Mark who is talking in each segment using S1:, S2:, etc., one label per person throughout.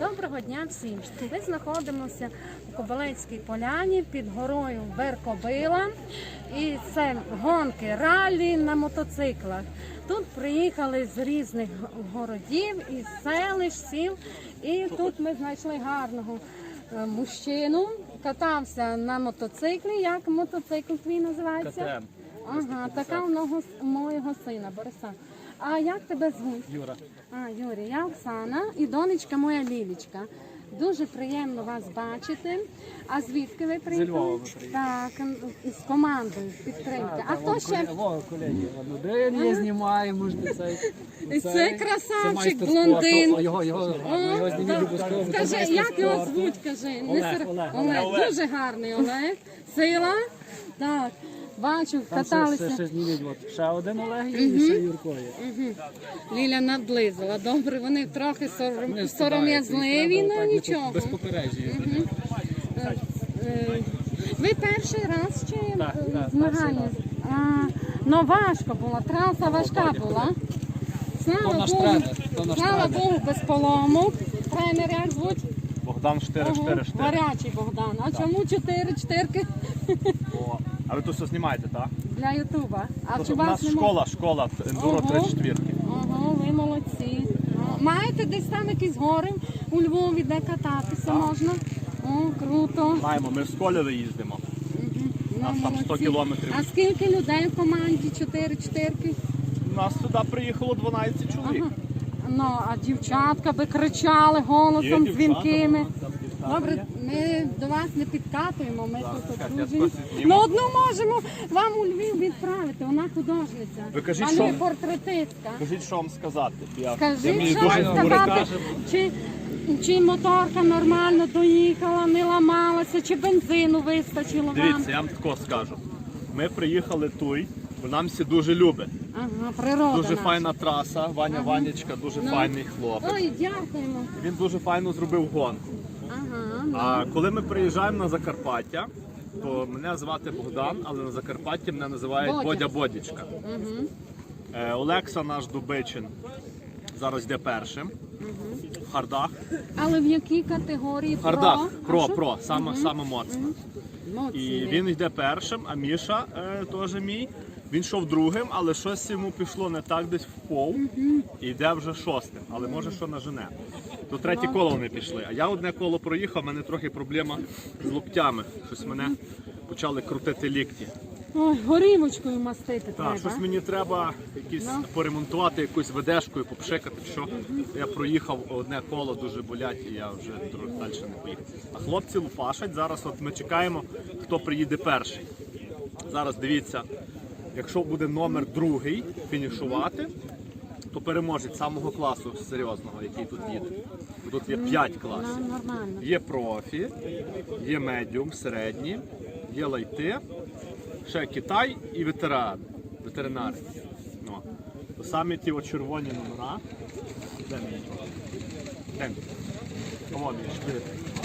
S1: Доброго дня всім! Ми знаходимося у Кобилецькій поляні під горою Веркобила. І це гонки, ралі на мотоциклах. Тут приїхали з різних городів, із селищ, сіл. І тут ми знайшли гарного мужчину. Катався на мотоциклі. Як мотоцикл твій називається?
S2: КТМ.
S1: Ага, така у моєго сина Бориса. А як тебе звуть?
S2: Юра.
S1: Юрій, я Оксана і донечка моя Лілічка. Дуже приємно вас бачити. А звідки ви приїхали?
S2: Зі Львова ми приїхали.
S1: Так, з командою підтримки. А хто ще?
S2: Колеги, один я знімаю, можна цей.
S1: І це красавчик, блондин.
S2: Його зніміть обов'язково.
S1: Скажи, як його звуть, кажи? Олег. Дуже гарний Олег. Сила. Так. Бачу, каталися.
S2: Ще зніміть, ще один Олег і ще Юрко є.
S1: Ліля наблизила. Добре, вони трохи сором'язливі, але нічого.
S2: Без попередження.
S1: Ви перший раз чи
S2: Так,
S1: змагання? Ну важко було, траса важка була. Слава Богу, без поломок. Тренер як звуть?
S3: Богдан 444.
S1: Гарячий Богдан. А чому 4-4?
S3: А ви тут все знімаєте, так?
S1: Для Ютуба. А чи
S3: У нас
S1: вас немає?
S3: школа Ендуро 34.
S1: Ага, ви молодці. Маєте десь там якісь гори у Львові, де кататися можна? О, круто.
S3: Маємо, ми в школі їздимо. У нас там 100
S1: Молодці.
S3: кілометрів.
S1: А скільки людей в команді 4-4?
S3: У нас сюди приїхало 12 чоловік.
S1: Ну, а дівчатка би кричали голосом дзвінкими. Добре, ми до вас не підкатуємо, ми тут одружені. Ну, одну можемо вам у Львів відправити, вона художниця.
S3: Ви кажіть,
S1: а
S3: що?
S1: не портретистка.
S3: Скажіть, що вам сказати.
S1: Скажіть, що сказати, чи моторка нормально доїхала, не ламалася, чи бензину вистачило вам.
S3: Дивіться, я вам тако скажу. Ми приїхали тут, бо нам всі дуже любить.
S1: Ага, природа
S3: Дуже
S1: наша.
S3: файна траса, Ванечка дуже файний хлопець.
S1: Ой, дякуємо.
S3: Він дуже файно зробив гонку.
S1: Ага,
S3: А коли ми приїжджаємо на Закарпаття, то мене звати Богдан, але на Закарпатті мене називають Бодя Бодічка. Олекса наш Дубичин зараз йде першим в хардах.
S1: Але в якій категорії?
S3: В хардах,
S1: Про?
S3: про, саме моцна.
S1: Моцні.
S3: І він йде першим, а Міша теж мій. Він йшов другим, але щось йому пішло не так, десь в пол, і йде вже шостим, але може що нажене. То третє коло вони пішли. А я одне коло проїхав, в мене трохи проблема з локтями. Щось мене почали крутити лікті.
S1: Ой, горівочкою мастити
S3: Так,
S1: треба.
S3: щось мені треба поремонтувати, якусь ведешкою, попшикати, що я проїхав одне коло, дуже болять, і я вже трохи далі не поїхав. А хлопці лупашать, зараз от ми чекаємо, хто приїде перший. Зараз дивіться, якщо буде номер другий фінішувати, то переможець самого класу серйозного, який тут їде. Тут є 5 класів.
S1: Нормально.
S3: Є профі, є медіум, середні, є лайти, ще Китай і ветеринари. Ну, то самі ті червоні номера. Де мій? Де мій? О, мій шпиль.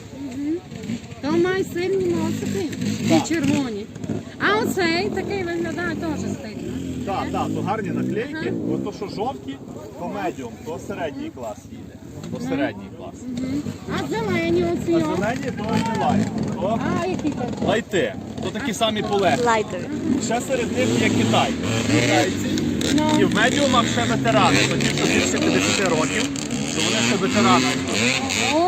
S1: То має сильні носики і червоні. А оцей такий виглядає теж стильно.
S3: Так, то гарні наклейки, бо то, що жовті, то медіум, то середній клас їде. То середній клас.
S1: А зелені оці?
S3: А зелені то не лайт. То
S1: А які такі?
S3: лайти. То такі самі полегкі.
S4: Лайтові.
S3: Ще серед них є Китай. Китайці. І в медіумах ще ветерани. То ті, що більше 50 років, то вони ще ветерани.
S1: О,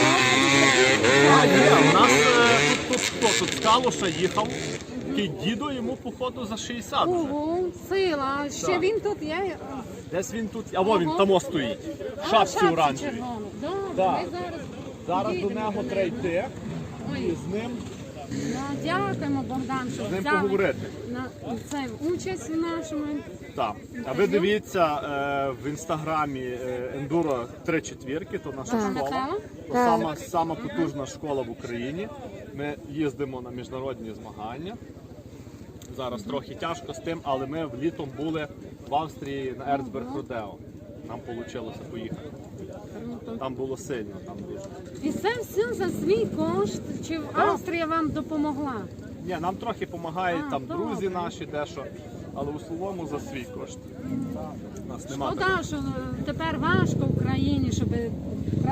S3: А є, у нас тут хто? Тут з Калуша їхав. Такий дідо, йому походу за 60 вже.
S1: ого, сила. Ще
S3: Так.
S1: він тут є.
S3: Десь він тут, а во він тамо стоїть. В шапці оранжевій.
S1: червону. Добре,
S3: Так.
S1: ми зараз.
S3: Зараз до
S1: підійдемо.
S3: нього треба йти і з ним
S1: Ну, дякуємо, Богдан, що
S3: з ним
S1: взяли
S3: поговорити.
S1: на це участь в нашому.
S3: Так. А ви дивіться в інстаграмі Enduro 3/4, то наша школа. То сама потужна школа в Україні. Ми їздимо на міжнародні змагання. Зараз трохи тяжко з тим, але ми літом були в Австрії на Ерцберг Родео. Нам вийшло поїхати. Там було сильно, там дуже.
S1: І це все за свій кошт? Чи Австрія вам допомогла?
S3: Ні, нам трохи допомагають там
S1: добре.
S3: друзі наші, дещо, але в основному за свій кошт. У нас немає.
S1: Шкода, що тепер важко в країні, щоб країна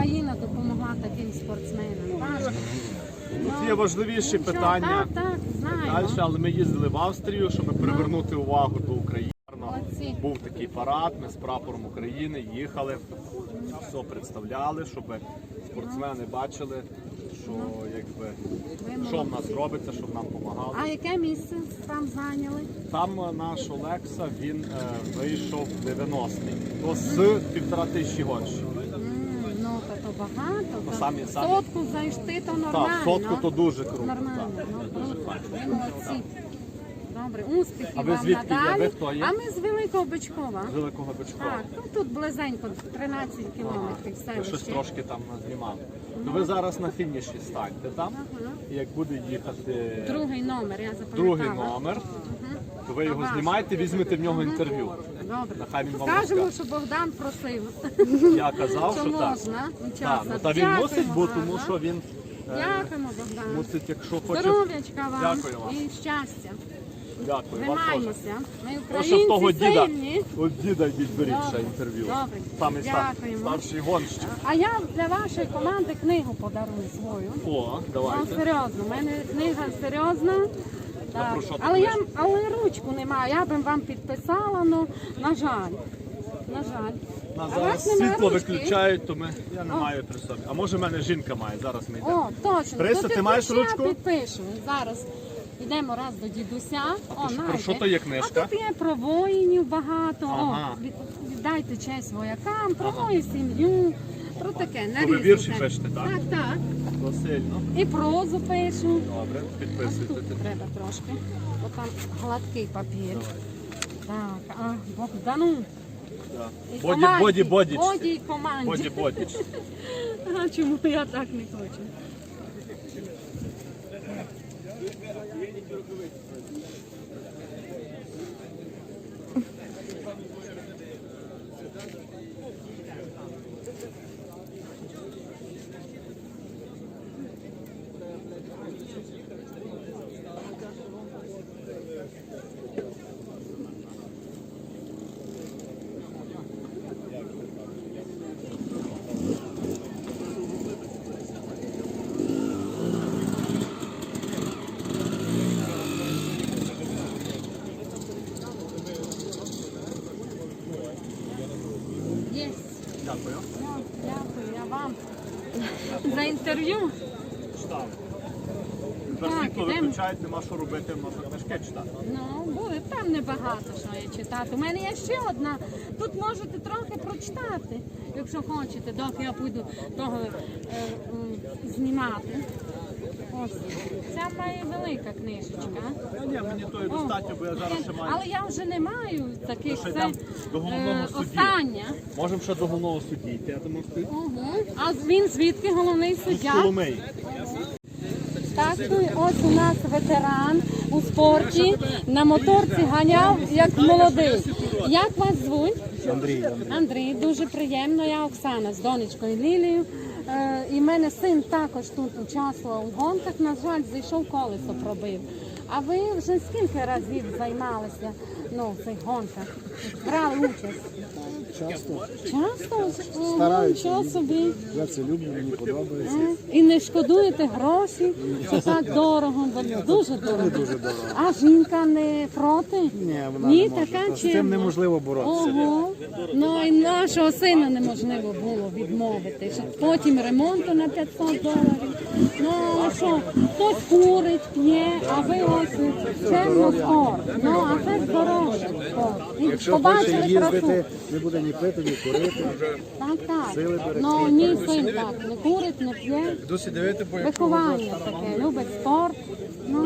S1: Україна допомогла таким спортсменам. Важко.
S3: Тут є важливіші питання.
S1: Так, знаємо.
S3: Далі, але ми їздили в Австрію, щоб привернути увагу до України.
S1: Молодці.
S3: Був такий парад, ми з прапором України їхали, все представляли, щоб спортсмени бачили, що якби що в нас робиться, щоб нам допомагали.
S1: А яке місце там зайняли?
S3: Там наш Олекса, він вийшов 90-й, то з 1500 гонщиків.
S1: Ну, то багато.
S3: Ну,
S1: то
S3: самі-
S1: сотку зайшти, то нормально.
S3: Так, сотку то дуже круто.
S1: Нормально.
S3: Так,
S1: Ну,
S3: дуже
S1: круто.
S3: файно.
S1: Ви молодці. Добре, успіхів
S3: А ви
S1: вам
S3: звідки є?
S1: надалі.
S3: Ви хто є?
S1: А ми з Великого Бичкова.
S3: З Великого Бичкова.
S1: Так, ну тут близенько, 13 кілометрів
S3: Ви щось
S1: селище.
S3: трошки там знімали. То ви зараз на фініші станьте там, і як буде їхати
S1: Другий номер, я запам'ятала.
S3: другий номер, то ви його знімаєте, візьмете в нього інтерв'ю.
S1: Добре.
S3: Нехай він вам
S1: Скажемо,
S3: розкаже.
S1: що Богдан просив.
S3: Я казав,
S1: Що
S3: що так.
S1: можна.
S3: Так, ну, та він
S1: Дякуємо
S3: мусить, бо
S1: гарно.
S3: тому що він
S1: Дякуємо, Богдан.
S3: мусить, якщо хоче.
S1: Здоров'ячка вам
S3: Дякую вам.
S1: і щастя.
S3: Дякую, вам теж.
S1: Тримаймося. Ми
S3: Ну, що в того
S1: українці
S3: діда,
S1: сильні.
S3: от діда йдіть беріть ще
S1: Добре,
S3: інтерв'ю.
S1: добре.
S3: Самий
S1: Дякуємо.
S3: старший гонщик.
S1: А я для вашої команди книгу подарую свою.
S3: О,
S1: Ну,
S3: давайте.
S1: серйозно, у мене книга серйозна. Так.
S3: про що ти
S1: Але ручку немає, я б вам підписала, ну, на жаль. На жаль.
S3: Нас
S1: А у
S3: зараз
S1: вас немає
S3: світло
S1: ручки?
S3: виключають, то я не маю при собі. А може в мене жінка має, зараз ми йдемо.
S1: О, точно.
S3: Христо,
S1: То
S3: ти маєш
S1: підпиши,
S3: ручку?
S1: Я підпишу. Зараз йдемо раз до дідуся. О,
S3: про що то є книжка?
S1: А тут є про воїнів багато.
S3: Ага.
S1: О, віддайте честь воякам, про мою сім'ю, про таке.
S3: То ви вірші пишете, так?
S1: Так, так.
S3: То сильно.
S1: І прозу пишу.
S3: Добре,
S1: Ось
S3: підписуйте.
S1: тут треба трошки. Бо там гладкий папір. Так, а Богдану.
S3: Да.
S1: І
S3: Боді,
S1: команді.
S3: боді, бодіч.
S1: Боді і команді.
S3: Боді, бодіч.
S1: А чому я так не хочу? Є.
S3: Дякую.
S1: Дякую, я вам за інтерв'ю.
S3: Тепер
S1: Так,
S3: світло
S1: ідемо.
S3: виключають, нема що робити, можна книжки читати.
S1: Ну, буде там небагато, що я читати. У мене є ще одна. Тут можете трохи прочитати, якщо хочете, доки я буду того знімати. Ось. Ця має велика книжечка.
S3: Ні, мені то і достатньо, бо я зараз ще маю.
S1: Але я вже не маю таких.
S3: Ще
S1: Це
S3: йдемо до головного судді.
S1: остання.
S3: Можемо ще до головного судді йти, я думаю, ти.
S1: А він звідки головний суддя?
S3: Коломиї.
S1: Так, ну і ось у нас ветеран у спорті, на моторці ганяв як молодий. Як вас звуть?
S2: Андрій.
S1: Андрій, дуже приємно. Я Оксана з донечкою Лілією. І в мене син також тут участвував у гонках. На жаль, зайшов колесо пробив. А ви вже скільки разів займалися в цих гонках? Брали участь?
S2: Часто
S1: Часто?
S2: Стараюся.
S1: Що собі?
S2: я це люблю, мені подобається.
S1: І не шкодуєте гроші, що так дорого, бо дуже дорого.
S2: Дуже дорого.
S1: А жінка не проти?
S2: Ні, вона
S1: Ні,
S2: не може.
S1: така
S2: З цим
S1: чимна.
S2: неможливо боротися.
S1: Ого. Ну і нашого сина неможливо було відмовити. Що потім ремонту на 500 доларів. Ну а що, хтось курить, п'є, а ви ось чемно спорт. Ну а це здоров'я спорт. І
S2: Якщо хоче
S1: побачили красу.
S2: їздити, не буде ні пити, ні курити.
S1: Так, так.
S2: Сили берегти.
S1: Ну ні, син так, не курить, не п'є. Виховання таке, любить спорт. Ну,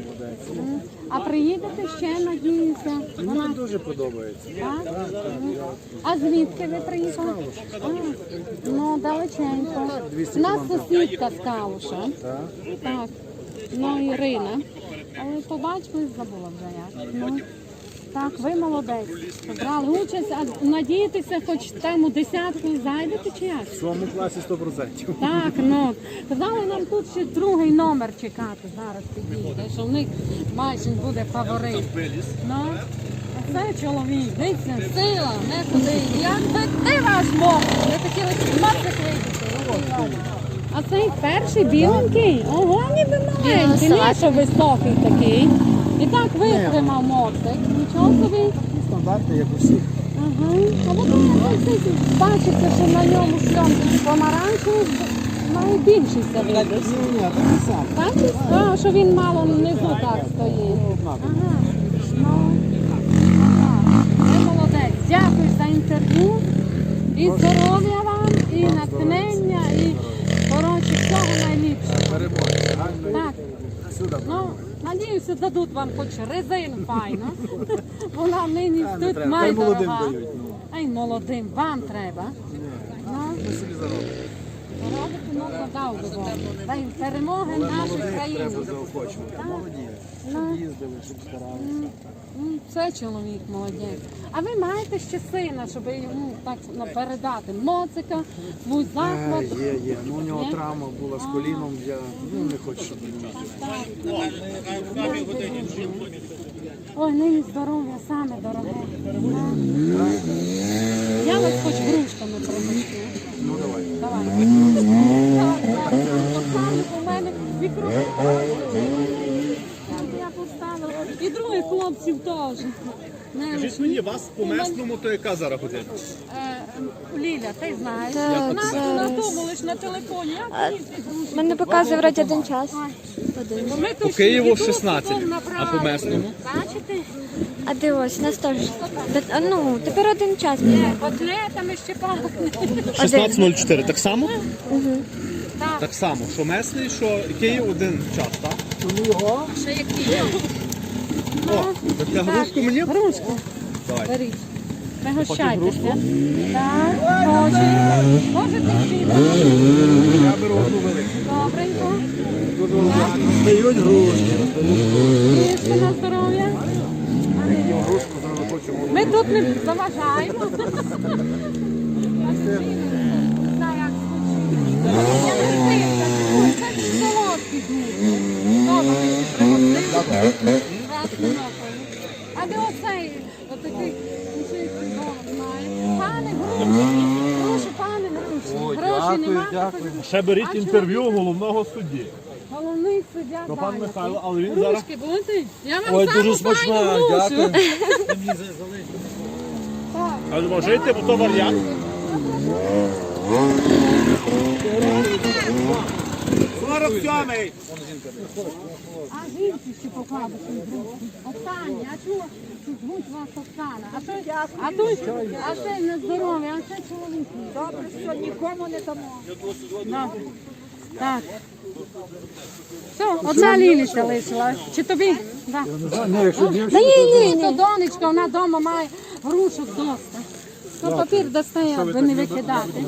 S1: а приїдете ще, надіюся.
S2: Мені дуже подобається.
S1: Так? А звідки ви приїхали? А, ну, далеченько.
S2: 200
S1: У нас сусідка з Калуша.
S2: Так?
S1: Так. Ну, Ірина. Але побачили, забула вже як. Ну, так, ви молодець. Брали участь, а надієтеся, хоч там у десятку зайдете чи як?
S2: В своєму класі 100%.
S1: Так, ну. Казали нам тут ще другий номер чекати. Зараз підійде, що в них майже буде фаворит. Ну, а це чоловік, дивіться, сила, не куди. Як би ти ваш мов? Ви хотіли з мовки вийти. оцей перший біленький. Ого, ніби маленький, не
S4: салат.
S1: що високий такий. І так витримав моцик. Нічого собі.
S2: Стандарти, як у всіх.
S1: Ага. А воно бачиться, що на ньому шльомки помаранчевий найбільший видиш.
S2: Ні, так не сам.
S1: Бачиш? А, що він мало внизу так стоїть. Ага. Ну, ага. Ви молодець. Дякую за інтерв'ю. І здоров'я вам, і натхнення, і коротше, всього найліпшого. Так. Ну, надіюся, дадуть вам хоч резину файно. Вона нині тут
S2: Хай
S1: має
S2: молодим
S1: дорога.
S2: дають.
S1: Ай, молодим, вам треба. Ну,
S2: Ми собі заробимо.
S1: робити, ну, подав би Бог. Дай перемоги нашої країни.
S2: Треба заохочувати. Молоді.
S1: Ну.
S2: Їздили, щоб старалися.
S1: Це чоловік молодець. А ви маєте ще сина, щоб йому так передати моцика, свій заклад?
S2: Є. Ну, у нього
S1: Є?
S2: травма була з коліном. Я не хочу, щоб він мав.
S1: Ой, нині здоров'я саме дороге. Я вас хоч грушками пригощу.
S2: Ну, давай.
S1: Давай. Поставлю у мене мікрофон. Я поставила. І других хлопців теж.
S3: Скажіть мені, вас по местному, то яка зараз година?
S1: Ліля, ти знаєш.
S4: Та
S1: Нас
S4: це-
S1: на тому лиш на телефоні. Я
S4: Мене показує вроді один час.
S3: По Києву 16, а по местному?
S1: Бачите?
S4: А дивись, у нас теж. Ну, тепер один час.
S1: Котлетами ще пахне.
S3: 16.04, так само?
S1: Так,
S3: Так само, що месний, що Київ один час, так?
S2: Ну, його.
S1: ще які є.
S3: О, так на грушку мені?
S1: Грушку.
S3: Давай.
S1: Беріть. Пригощайтеся. Так, хоче. Можете всі.
S2: Я беру одну велику.
S1: Добренько.
S2: Роздають грушки.
S1: Їжте на здоров'я.
S2: Грушку зразу хочу.
S1: Ми тут не заважаємо. Так, як я не знаю, це солодкий дуже. Добре, пригостити. Красний напій. А де оцей, отакий, знає. Пане Груші, прошу, пане Груші. Гроші немає.
S3: Ще беріть
S1: А
S3: інтерв'ю головного судді.
S1: Головний суддя
S3: То пан
S1: зайнятий.
S3: Михайло, але він зараз...
S1: Грушки будете? Я вам саме смачна, дякую. Так.
S3: Але можете, бо то варіант. 47-й!
S1: А жінці ще покладу свою грушку. Оксані, а чого тут звуть вас Оксана? А це на здоров'я, а це чоловік. Добре, що нікому не дамо. Добре. Так. Все, оця Ліліся лишила. Чи тобі? Да. Ні, то донечка, вона вдома має грушок доста. То папір достає, аби не викидати.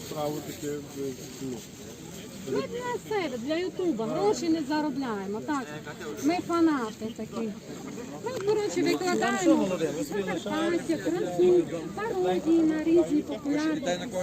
S1: Ми для себе, для Ютуба, гроші не заробляємо. Так, ми фанати такі. Ми, коротше, викладаємо Закарпаття, красу, пародії на різні популярні.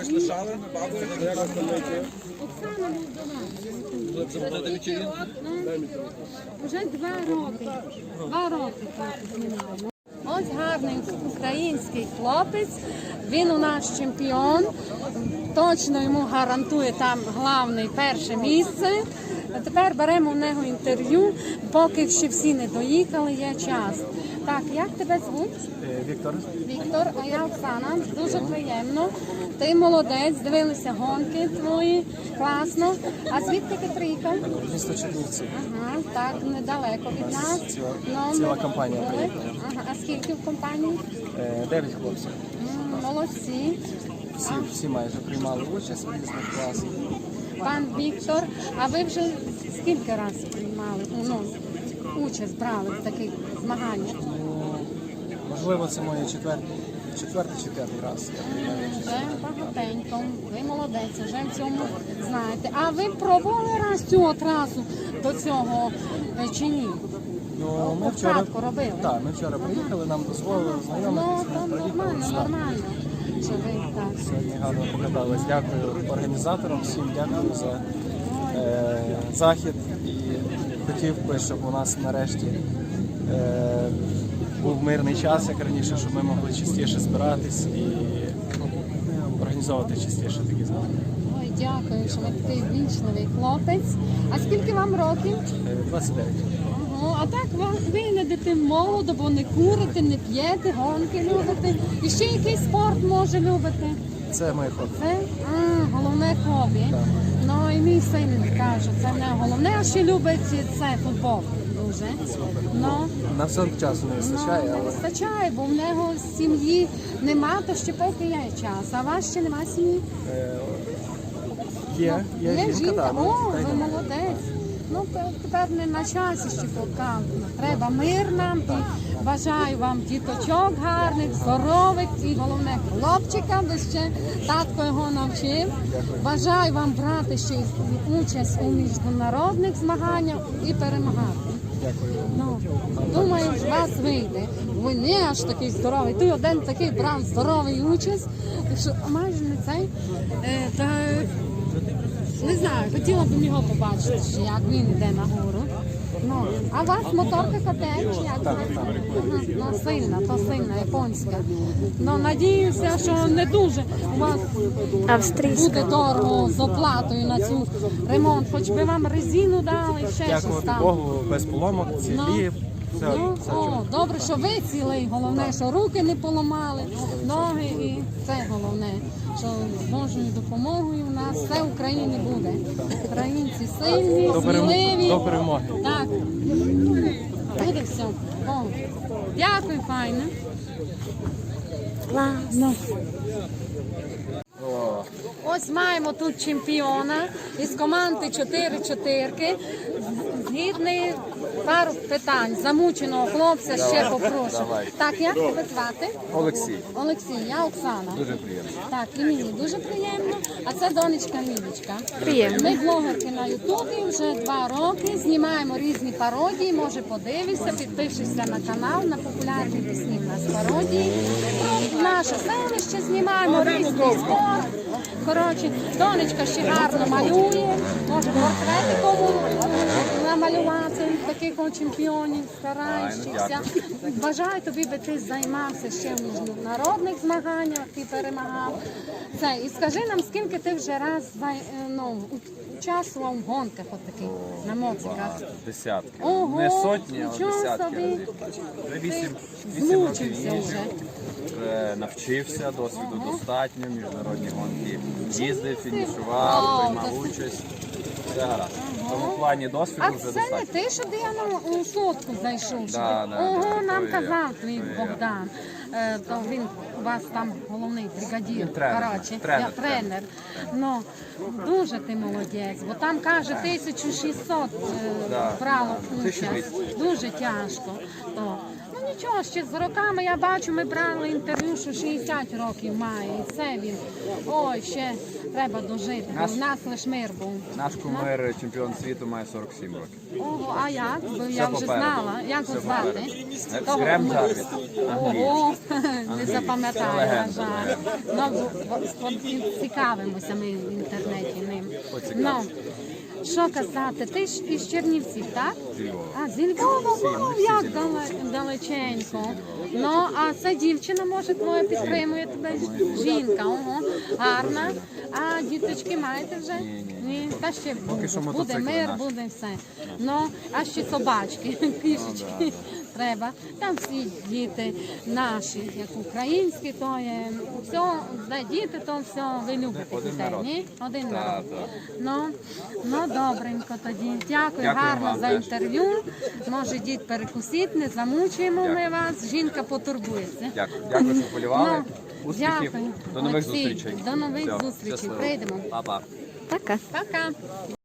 S1: Оксана Молдова. Вже 2 роки. 2 роки так знімаємо. Ось гарний український хлопець, він у нас чемпіон, точно йому гарантує там головне перше місце. А тепер беремо у нього інтерв'ю, поки ще всі не доїхали, є час. Так, як тебе звуть?
S2: Віктор.
S1: Віктор, а я Оксана, дуже приємно. Ти молодець, дивилися гонки твої, класно. А звідки ти приїхав?
S2: Місто Чернівці.
S1: Ага, так, недалеко від нас.
S2: Ціла компанія приїхала.
S1: Ага, а скільки в компанії?
S2: 9 хлопців.
S1: Молодці.
S2: Всі майже приймали участь в різних класах.
S1: Пан Віктор, а ви вже скільки разів приймали, участь брали в таких змаганнях?
S2: Можливо, це моє четвертий чи п'ятий раз. Я приймаю участь.
S1: Вже багатенько, ви молодець, вже в цьому знаєте. А ви пробували раз цю трасу до цього чи ні?
S2: Ну, ми вчора,
S1: Початку робили?
S2: так, ми вчора приїхали, нам дозволили
S1: Ну,
S2: знайомитися,
S1: то
S2: ми приїхали.
S1: нормально,
S2: Так.
S1: нормально. Що ви так?
S2: Сьогодні гарно покатались. Дякую організаторам, всім дякую за захід. І хотів би, щоб у нас нарешті був мирний час, як раніше, щоб ми могли частіше збиратись і організовувати частіше такі змагання.
S1: Ой, дякую, що ви такий вічливий хлопець. А скільки вам років?
S2: 29.
S1: Ого, а так ви не йдете молодо, бо не курите, не п'єте, гонки любите. І ще якийсь спорт може любите.
S2: Це моє хобі.
S1: Це головне хобі. Ну і мій син каже, це не головне, а ще любить це футбол дуже. Ну,
S2: На все часу не вистачає,
S1: не
S2: але
S1: вистачає, бо в нього сім'ї нема, то ще поки є час. А у вас ще нема сім'ї?
S2: є жінка, так.
S1: О, ви молодець. Ну, тепер не на часі ще поки. Треба мир нам і бажаю вам діточок гарних, здорових і головне хлопчика, бо ще татко його навчив. Бажаю вам брати ще участь у міжнародних змаганнях і перемагати. Ну, думаю, з вас вийде. Ви не аж такий здоровий. Ти один такий брав здоровий участь. Так що майже не цей. Не знаю, хотіла б його побачити, що як він йде нагору. Ну, а у вас моторка КТ, чи як? Ага, ну, сильна, японська. Ну, надіюся, що не дуже у вас
S4: Австрійська.
S1: буде дорого з оплатою на цю ремонт. Хоч би вам резину дали, ще щось
S2: Дякувати
S1: там.
S2: Богу, без поломок, цілі. Все,
S1: Ну,
S2: все
S1: о,
S2: чудово.
S1: добре, що ви цілий, головне, що руки не поламали, ноги і це головне, що з Божою допомогою у нас все в Україні буде. Українці сильні, сміливі.
S2: До перемоги.
S1: Так, буде все. О, дякую, файно.
S4: Клас.
S1: Ось маємо тут чемпіона із команди 4-4. Згідний пару питань. Замученого хлопця ще попрошу.
S5: давай.
S1: Так, як тебе звати?
S5: Олексій,
S1: Олексій, я Оксана.
S5: дуже приємно.
S1: Так, і мені дуже приємно. А це донечка Мілічка.
S4: Приємно.
S1: Ми блогерки на Ютубі вже 2 роки. Знімаємо різні пародії. Може, подивишся, підпишешся на канал, на популярні пісні в нас пародії. Про наше селище знімаємо, різний спорт. Коротше, донечка ще гарно малює, може портретиком намалювати таких от чемпіонів, стараючихся. Бажаю тобі, би ти займався ще в міжнародних змаганнях і перемагав. Це, і скажи нам, скільки ти вже раз участвував в гонках от таких на моциках?
S5: Десятки.
S1: Ого,
S5: Не сотні, а
S1: нічого
S5: десятки
S1: собі.
S5: разів. Вже вісім
S1: Змучився
S5: років
S1: вже.
S5: вже навчився, досвіду достатньо, міжнародні гонки їздив,
S1: О,
S5: фінішував, приймав
S1: досить.
S5: участь. Все гаразд. В тому плані досвіду
S1: А
S5: вже
S1: це не
S5: достатньо.
S1: ти, що я на сотку зайшов? що
S5: Да,
S1: ти?
S5: да,
S1: Ого,
S5: да,
S1: нам
S5: то я.
S1: казав твій
S5: То я.
S1: Богдан. То він у вас там головний бригадір.
S5: Тренер,
S1: Коротше,
S5: тренер,
S1: я тренер. Ну, дуже ти молодець, бо там каже 1600
S5: Да,
S1: брало
S5: да,
S1: участь.
S5: 1200.
S1: Дуже тяжко. То. Ну нічого, ще з роками я бачу, ми брали інтерв'ю, що 60 років має. І це він. Ой, ще треба дожити. Бо в нас лише мир був.
S5: Наш кумир, чемпіон світу, має 47 років.
S1: Ого, а як? Бо я вже
S5: попереду.
S1: знала. Як
S5: Все
S1: його звати?
S5: попереду.
S1: Того
S5: Грем
S1: ми-
S5: Джарвіс.
S1: Ого, не
S5: Це
S1: запам'ятаю, на
S5: легенда,
S1: жаль. Ну, цікавимося ми в інтернеті ним. Ну, що казати, ти ж із Чернівців, так?
S5: Зі Львова.
S1: А, зі Львова,
S5: ми всі
S1: як
S5: зі Львова.
S1: далеченько. Ну, а ця дівчина, може, твоя підтримує тебе? Жінка, ого, гарна. А діточки маєте вже? Ні. Та ще
S5: що
S1: буде
S5: мотоцикли
S1: мир,
S5: наші.
S1: буде все. Ну, а ще собачки, кішечки. Треба. Там всі діти наші, як українські, то є все, де діти, то все, ви любите
S5: Один
S1: дітей,
S5: народ.
S1: ні? Один
S5: Так,
S1: народ.
S5: так.
S1: Ну, добренько тоді. Дякую,
S5: Дякую
S1: гарно
S5: вам
S1: за
S5: теж.
S1: інтерв'ю. Може, дід перекусить, не замучуємо ми вас. Жінка потурбується.
S5: Дякую, що полювали.
S1: Ну,
S5: Успіхів.
S1: дякую.
S5: До нових
S1: Олексій,
S5: зустрічей.
S1: До нових
S5: Все,
S1: зустрічей.
S5: щасливо.
S1: Прийдемо.
S5: Па-па.
S4: Пока.
S1: Пока.